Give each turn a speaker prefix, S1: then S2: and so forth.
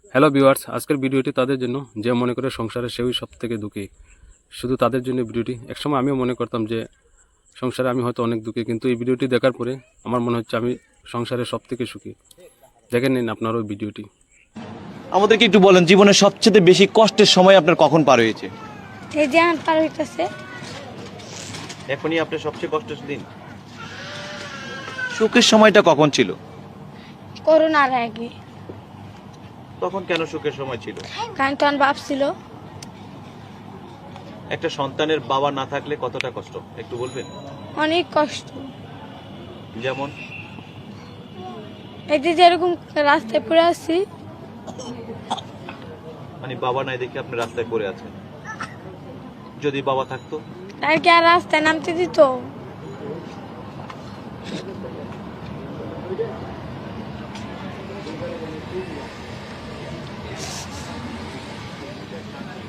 S1: Hello viewers, আজকের ভিডিওটি তাদের জন্য যে মনে করে সংসারে সেই সব থেকে দুঃখী। শুধু তাদের জন্য ভিডিওটি। একসময় আমিও মনে করতাম যে সংসারে আমি হয়তো অনেক দুঃখী, কিন্তু এই ভিডিওটি দেখার পরে আমার মনে হচ্ছে আমি সংসারে সব থেকে সুখী। দেখে নিন আপনার ওই ভিডিওটি।
S2: আমাদেরকে একটু বলেন, জীবনের সবচেয়ে বেশি কষ্টের সময় আপনার কখন পার হয়েছে?
S3: এই যে আমার পার হইতেছে।
S2: এখনই আপনার সবচেয়ে কষ্টের দিন। সুখের সময়টা কখন ছিল?
S3: করোনার আগে।
S2: তখন কেন সুখের সময় ছিল?
S3: কারণ তখন বাপ ছিল।
S2: একটা সন্তানের বাবা না থাকলে কতটা কষ্ট একটু বলবেন?
S3: অনেক কষ্ট।
S2: যেমন
S3: একদিন যেরকম রাস্তায় পড়ে আসছি।
S2: মানে বাবা নাই দেখে আপনি রাস্তায় পড়ে আছেন। যদি বাবা থাকতো
S3: আর কি আর রাস্তায় নামতে দিত?